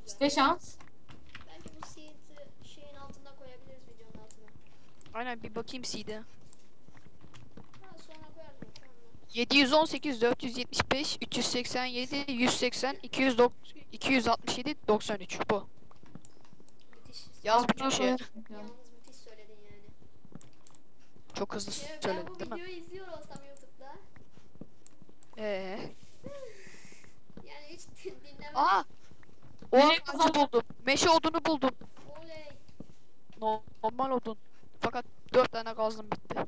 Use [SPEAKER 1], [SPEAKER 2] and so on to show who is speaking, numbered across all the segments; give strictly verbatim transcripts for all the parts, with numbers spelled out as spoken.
[SPEAKER 1] güzel.
[SPEAKER 2] İşte şans.
[SPEAKER 1] Belki bu seed'i şeyin altında koyabiliriz, videonun altına.
[SPEAKER 3] Aynen, bir bakayım C'de.
[SPEAKER 1] Ha, sonra koyarsın. Tamam.
[SPEAKER 3] yedi yüz on sekiz, dört yüz yetmiş beş, üç yüz seksen yedi, yüz seksen, iki yüz doksan, iki yüz altmış yedi, doksan üç bu.
[SPEAKER 1] Müthiş.
[SPEAKER 3] Yaz bütün
[SPEAKER 2] Altına
[SPEAKER 3] şey.
[SPEAKER 2] koyalım.
[SPEAKER 1] Yalnız müthiş söyledin yani.
[SPEAKER 3] Çok hızlı
[SPEAKER 1] Ya ben
[SPEAKER 3] söyledin
[SPEAKER 1] bu
[SPEAKER 3] değil mi?
[SPEAKER 1] videoyu izliyor olsam YouTube'da.
[SPEAKER 3] Ee.
[SPEAKER 1] Yani hiç dinlemem.
[SPEAKER 3] Aa! O
[SPEAKER 2] Nereye
[SPEAKER 3] ağacı buldum. Meşe odunu buldum.
[SPEAKER 1] Oley.
[SPEAKER 3] Normal odun. Fakat dört tane gazım bitti.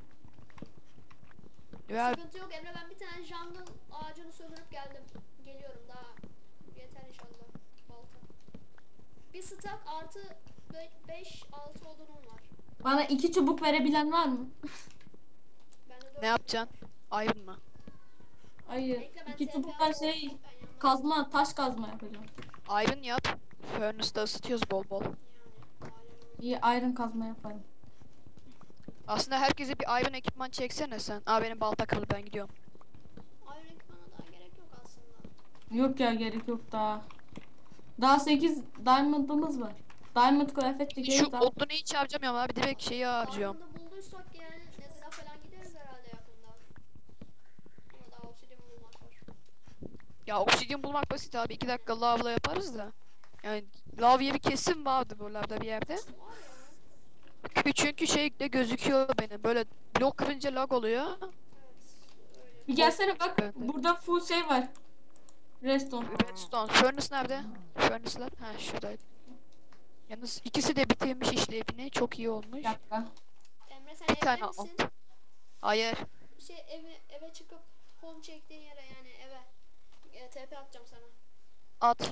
[SPEAKER 3] Ya
[SPEAKER 1] Sıkıntı yok Emre, ben bir tane jungle ağacını söndürüp geldim. Geliyorum daha. Yeter inşallah. Balta. Bir stack artı beş altı odunum var.
[SPEAKER 2] Bana iki çubuk verebilen var mı?
[SPEAKER 1] Bende dört.
[SPEAKER 3] ne yapacaksın? Iron mı?
[SPEAKER 2] Hayır.
[SPEAKER 1] Bekle, ben
[SPEAKER 2] İki
[SPEAKER 1] T P
[SPEAKER 2] çubukla
[SPEAKER 1] alayım.
[SPEAKER 2] şey
[SPEAKER 1] Ben yanına-
[SPEAKER 2] kazma, taş kazma yapacağım.
[SPEAKER 3] Iron yap. Furnace'da ısıtıyoruz bol bol.
[SPEAKER 1] Yani, aynen.
[SPEAKER 2] İyi iron kazma yaparım.
[SPEAKER 3] Aslında herkese bir iron ekipman çeksene sen. Aa, benim balta kırıldı, ben gidiyorum.
[SPEAKER 1] Iron ekipmana daha gerek yok aslında.
[SPEAKER 2] Yok ya, gerek yok daha. Daha sekiz diamond'ımız var. Diamond kıyafet
[SPEAKER 3] Şu
[SPEAKER 2] çekeriz daha.
[SPEAKER 3] odunu hiç harcamıyorum abi. Direkt şeyi harcıyorum.
[SPEAKER 1] Diamond'ı bulduysak yani Nether'a falan gideriz herhalde yakında. Ama daha obsidian bulmak var.
[SPEAKER 3] Ya obsidian bulmak basit abi. iki dakika lavla yaparız da. Yani lav yeri kesin vardı buralarda bir yerde.
[SPEAKER 1] Var ya.
[SPEAKER 3] Çünkü şey de gözüküyor benim. Böyle blok kırınca lag oluyor.
[SPEAKER 1] Evet. Öyle.
[SPEAKER 2] Bir gelsene bak,
[SPEAKER 3] Ben de.
[SPEAKER 2] burada full şey var. Redstone.
[SPEAKER 3] Redstone. Furnace nerede? Furnace'lar. Ha, şuradaydı. Yalnız ikisi de bitirmiş işlevini. Çok iyi olmuş.
[SPEAKER 2] Bir dakika.
[SPEAKER 1] Emre sen
[SPEAKER 3] Bir
[SPEAKER 1] evde
[SPEAKER 3] tane
[SPEAKER 1] misin?
[SPEAKER 3] alt. Hayır.
[SPEAKER 1] Şey eve eve çıkıp home çektiğin yere yani eve e, T P atacağım sana.
[SPEAKER 3] At.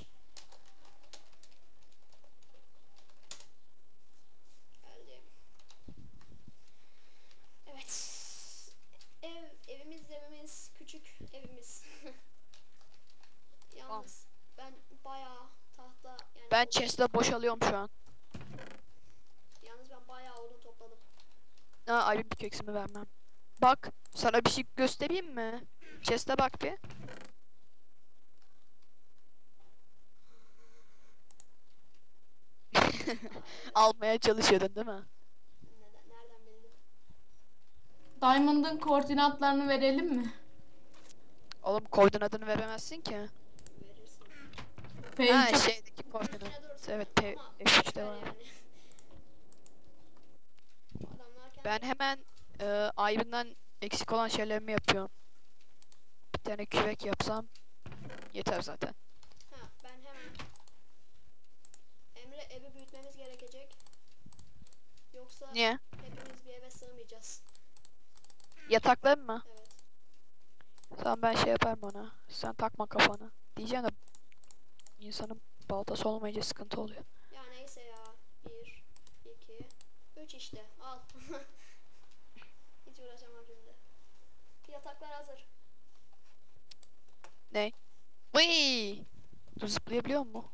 [SPEAKER 1] Geldim. Evet. Ev evimiz evimiz küçük evimiz. Yalnız ben bayağı tahta yani
[SPEAKER 3] Ben chest'le boşalıyorum şu an.
[SPEAKER 1] yalnız ben bayağı odun topladım.
[SPEAKER 3] Ha, ayrı bir keksimi vermem. Bak, sana bir şey göstereyim mi? Chest'e bak bir. Almaya çalışıyordun değil mi?
[SPEAKER 1] Neden, nereden bildin?
[SPEAKER 2] Diamond'ın koordinatlarını verelim mi?
[SPEAKER 3] Oğlum koordinatını veremezsin ki.
[SPEAKER 1] Verirsin.
[SPEAKER 3] Ha,
[SPEAKER 2] P üç'e
[SPEAKER 3] şeydeki
[SPEAKER 1] Üstüne
[SPEAKER 3] koordinat.
[SPEAKER 1] dursun.
[SPEAKER 3] Evet, P
[SPEAKER 1] Ama
[SPEAKER 3] F üç'te
[SPEAKER 1] ver
[SPEAKER 3] var.
[SPEAKER 1] yani. Adamlar kendi-
[SPEAKER 3] Ben hemen e, Iron'dan eksik olan şeylerimi yapıyorum. Bir tane kürek yapsam yeter zaten.
[SPEAKER 1] Ha, ben hemen Emre evi büyütmemiz gerekecek. Yoksa
[SPEAKER 3] Niye?
[SPEAKER 1] hepimiz bir eve sığmayacağız.
[SPEAKER 3] Yataklar mı?
[SPEAKER 1] Evet.
[SPEAKER 3] Tamam, ben şey yaparım ona. Sen takma kafana. Diyeceğim de insanın baltası olmayınca sıkıntı oluyor.
[SPEAKER 1] Ya neyse ya. Bir, iki, üç işte. Al. Hiç uğraşamam şimdi. Yataklar hazır.
[SPEAKER 3] Ne? Vıy! Dur, zıplayabiliyor mu?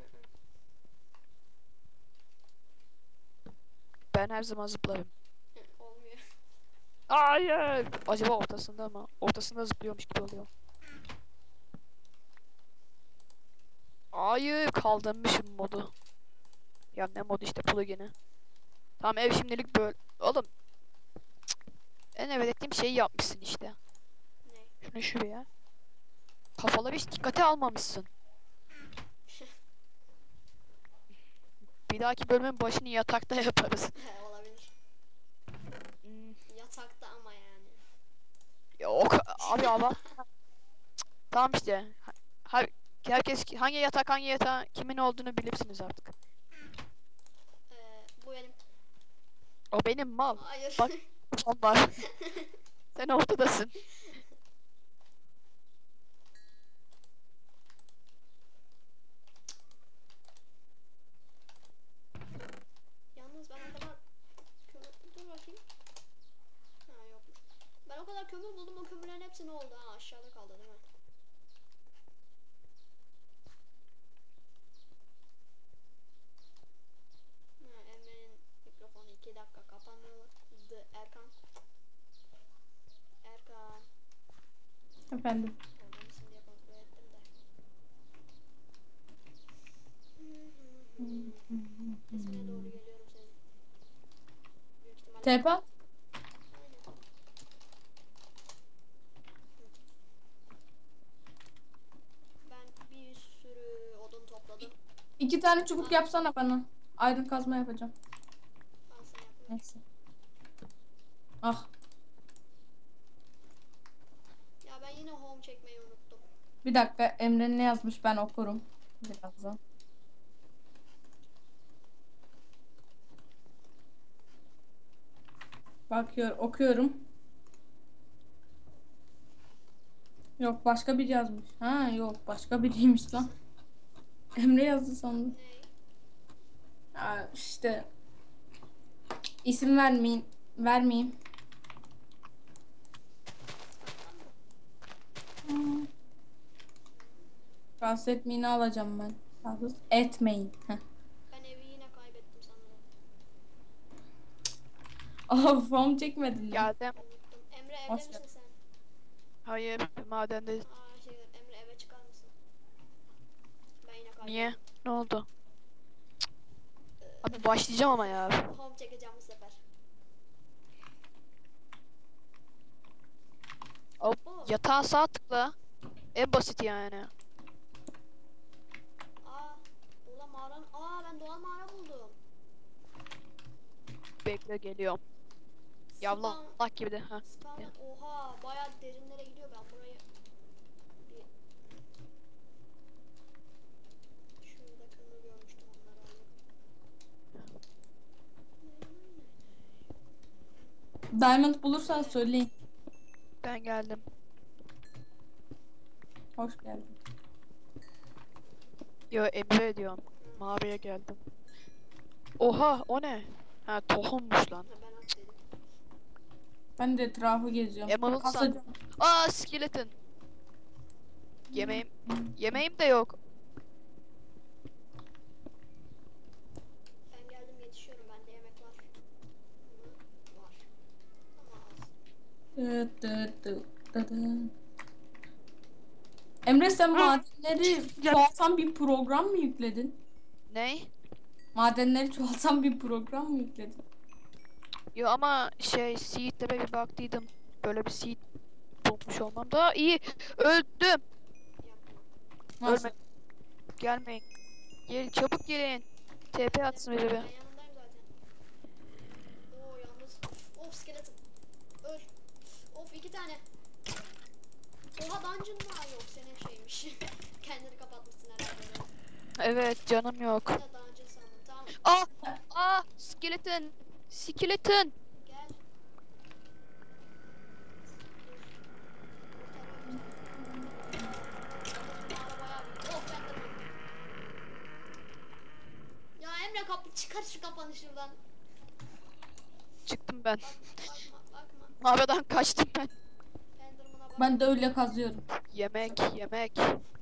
[SPEAKER 3] Ben her zaman zıplarım.
[SPEAKER 1] Hı, olmuyor.
[SPEAKER 3] Hayır! Acaba ortasında mı? Ortasında zıplıyormuş gibi oluyor. Hayır, kaldırmışım modu. Ya ne modu işte, plugin'i. Tamam, ev şimdilik böyle. Oğlum. Cık. En evvel ettiğim şeyi yapmışsın işte.
[SPEAKER 1] Ne?
[SPEAKER 3] Şunu şuraya. Kafaları hiç dikkate almamışsın. Bir dahaki bölümün başını yatakta yaparız.
[SPEAKER 1] He, olabilir.
[SPEAKER 3] Hmm,
[SPEAKER 1] Yatakta ama yani.
[SPEAKER 3] Yok abi, ama tamam işte. Ha, herkes hangi yatak hangi yatağı kimin olduğunu bilirsiniz artık.
[SPEAKER 1] Ee, bu benim.
[SPEAKER 3] O benim mal.
[SPEAKER 1] Hayır.
[SPEAKER 3] Bak, var. Sen ortadasın.
[SPEAKER 1] Yalnız ben o kadar kömür... Dur bakayım. Ha, yokmuş. Ben o kadar kömür buldum, o kömürlerin hepsi ne oldu? Ha, aşağıda kaldı değil mi? Ha, Emre'nin mikrofonu iki dakika kapandı. Erkan. Erkan.
[SPEAKER 2] Efendim.
[SPEAKER 1] Orada mısın diye kontrol ettim de. Hmm. İsmine doğru geliyorum senin. Büyük ihtimalle.
[SPEAKER 2] Tepe at.
[SPEAKER 1] Aynen. Ben bir sürü odun topladım.
[SPEAKER 2] İki tane çubuk yapsana bana. Ayrın kazma yapacağım.
[SPEAKER 1] Ben sana yapayım.
[SPEAKER 2] Neyse. Ah.
[SPEAKER 1] Ya ben yine home çekmeyi unuttum.
[SPEAKER 2] Bir dakika, Emre ne yazmış ben okurum. Birazdan. Bakıyor, okuyorum. Yok, başka biri yazmış. Ha yok, başka biriymiş lan. Emre yazdı sandım.
[SPEAKER 1] Ne?
[SPEAKER 2] Ya işte isim vermeyeyim, vermeyeyim. Hmm. Rahatsız etmeyini alacağım ben. Rahatsız etmeyin. Heh.
[SPEAKER 1] Ben evi yine kaybettim sanırım.
[SPEAKER 2] Of, home çekmedin mi?
[SPEAKER 3] Geldim.
[SPEAKER 1] Unuttum. Emre evde
[SPEAKER 2] Hoş
[SPEAKER 1] misin sen?
[SPEAKER 3] Hayır, madende.
[SPEAKER 1] Aa şey Emre eve çıkar mısın? Ben yine kaybettim.
[SPEAKER 3] Niye? Ne oldu? Abi başlayacağım ama ya.
[SPEAKER 1] Home çekeceğim bu sefer.
[SPEAKER 3] Hop,
[SPEAKER 1] Oo.
[SPEAKER 3] yatağa sağ tıkla. En basit yani.
[SPEAKER 1] Aa, Dola mağaranın. Aa ben Dola mağara buldum.
[SPEAKER 3] Bekle geliyorum. Yavla
[SPEAKER 1] Spawn-
[SPEAKER 3] Allah gibi de. Ha.
[SPEAKER 1] Spawn'dan oha bayağı derinlere gidiyor ben burayı. Bir... Şurada kömür görmüştüm onları aldım.
[SPEAKER 2] Diamond bulursan söyleyin.
[SPEAKER 3] Ben geldim.
[SPEAKER 2] Hoş geldin.
[SPEAKER 3] Yo Emre diyorum. Mağaraya geldim. Oha o ne? Ha tohummuş lan.
[SPEAKER 1] Ha, ben at dedim.
[SPEAKER 2] Ben de etrafı geziyorum.
[SPEAKER 3] Emerald
[SPEAKER 2] Kasacağım.
[SPEAKER 3] sandım. Aa skeleton. Yemeğim yemeğim de yok.
[SPEAKER 1] Ben geldim yetişiyorum bende yemek var. Hı, var. Ama az.
[SPEAKER 2] Dı dı dı dı dı. Emre sen madenleri çoğaltan bir program mı yükledin?
[SPEAKER 3] Ney?
[SPEAKER 2] Madenleri çoğaltan bir program mı yükledin?
[SPEAKER 3] Yo ama şey seed'lere bir baktıydım. Böyle bir seed bulmuş olmam daha iyi. Öldüm.
[SPEAKER 1] Yapma.
[SPEAKER 2] Nasıl?
[SPEAKER 3] Ölme. Gelmeyin. Gel çabuk gelin. T P atsın biri
[SPEAKER 1] Ben
[SPEAKER 3] be.
[SPEAKER 1] yanındayım zaten. Oo yalnız. Of skeleton. Öl. Of iki tane. Oha dungeon var yok senin şeymiş. Kendini kapatmışsın herhalde.
[SPEAKER 3] Evet canım yok.
[SPEAKER 1] Ben de dungeon sandım. Tamam
[SPEAKER 3] Aa! Aa! Skeleton! Skeleton!
[SPEAKER 1] gel. Of ben de öldüm. Ya Emre kapı çıkar şu kafanı şuradan.
[SPEAKER 3] Çıktım ben.
[SPEAKER 1] Bak, bakma bakma.
[SPEAKER 3] Mağaradan kaçtım ben.
[SPEAKER 1] Enderman'a bak.
[SPEAKER 2] Ben de öyle kazıyorum.
[SPEAKER 3] Yemek, yemek.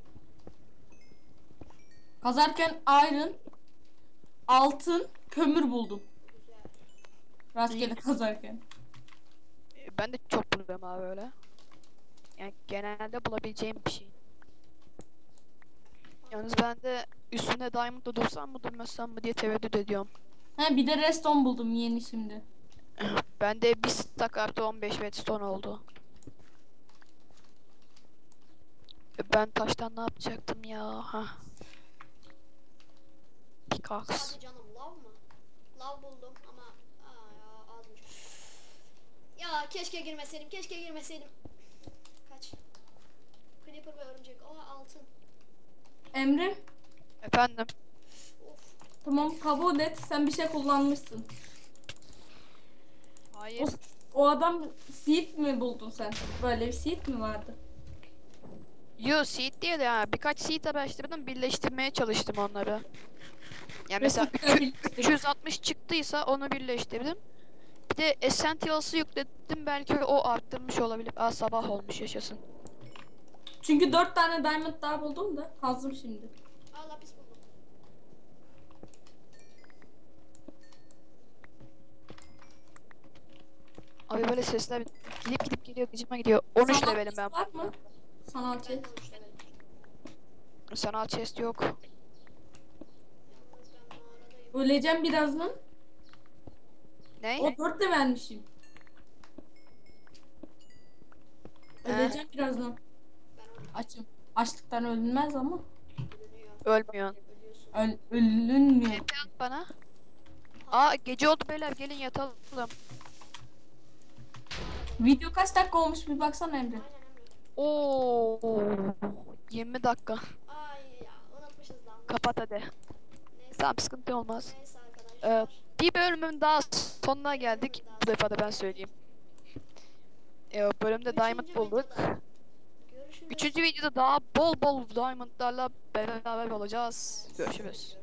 [SPEAKER 2] Kazarken iron, altın, kömür buldum.
[SPEAKER 1] Güzel.
[SPEAKER 2] Rastgele kazarken.
[SPEAKER 3] Ee, Ben de çok buluyorum abi öyle. Yani genelde bulabileceğim bir şey. Yalnız ben de üstüne diamond'da dursam mı durmasam mı diye tereddüt ediyorum.
[SPEAKER 2] He bir de redstone buldum yeni şimdi.
[SPEAKER 3] Ben de bir stack artı on beş redstone oldu. E, Ben taştan ne yapacaktım ya? Ha. Pickaxe.
[SPEAKER 1] Hadi canım lav mı? Lav buldum ama aa ya azmış. Ya keşke girmeseydim, keşke girmeseydim. Kaç? Creeper ve örümcek. Aa altın.
[SPEAKER 2] Emre,
[SPEAKER 3] Efendim.
[SPEAKER 1] Of.
[SPEAKER 2] tamam kabul et. Sen bir şey kullanmışsın.
[SPEAKER 3] Hayır.
[SPEAKER 2] O, o adam seed mi buldun sen? Böyle bir seed mi vardı?
[SPEAKER 3] Yo seed değil ya. Birkaç seed araştırdım. Birleştirmeye çalıştım onları. Yani mesela üç yüz altmış çıktıysa onu birleştirdim. Bir de Essentials'ı yükledim. Belki o arttırmış olabilir. Aa sabah olmuş yaşasın.
[SPEAKER 2] Çünkü dört tane diamond daha buldum da kazdım şimdi.
[SPEAKER 1] Aa lapis buldum.
[SPEAKER 3] Abi böyle sesler gidip gidip geliyor. Gıcıma gidiyor. on üç
[SPEAKER 2] Sanal
[SPEAKER 3] levelim ben.
[SPEAKER 2] chest var mı? Sanal
[SPEAKER 1] Ben de
[SPEAKER 2] chest.
[SPEAKER 1] on üç levelim.
[SPEAKER 3] Sanal chest yok.
[SPEAKER 1] Yalnız ben mağaradayım.
[SPEAKER 2] Öleceğim birazdan.
[SPEAKER 3] Ne?
[SPEAKER 2] O dört de vermişim.
[SPEAKER 3] He.
[SPEAKER 2] Öleceğim birazdan.
[SPEAKER 1] Ben onu
[SPEAKER 2] Açım. Açlıktan ölünmez ama.
[SPEAKER 1] bölünüyor.
[SPEAKER 3] Ölmüyorsun.
[SPEAKER 1] Ölüyorsun.
[SPEAKER 2] Öl ölünmüyor.
[SPEAKER 3] T P at bana. Aa gece oldu beyler, gelin yatalım.
[SPEAKER 2] Video kaç dakika olmuş bir baksana Emre.
[SPEAKER 1] Aynen Emre.
[SPEAKER 3] Oo. yirmi dakika.
[SPEAKER 1] Ay ya unutmuşuz lan.
[SPEAKER 3] Kapat hadi.
[SPEAKER 1] Neyse,
[SPEAKER 3] Tamam, sıkıntı olmaz.
[SPEAKER 1] neyse
[SPEAKER 3] Ee,
[SPEAKER 1] arkadaşlar.
[SPEAKER 3] bir bölümün daha sonuna geldik. Bu defa da ben söyleyeyim. Ee, bölümde diamond
[SPEAKER 1] Üçüncü
[SPEAKER 3] bulduk.
[SPEAKER 1] videoda Görüşürüz.
[SPEAKER 3] Üçüncü videoda daha bol bol diamondlarla beraber olacağız. Görüşürüz.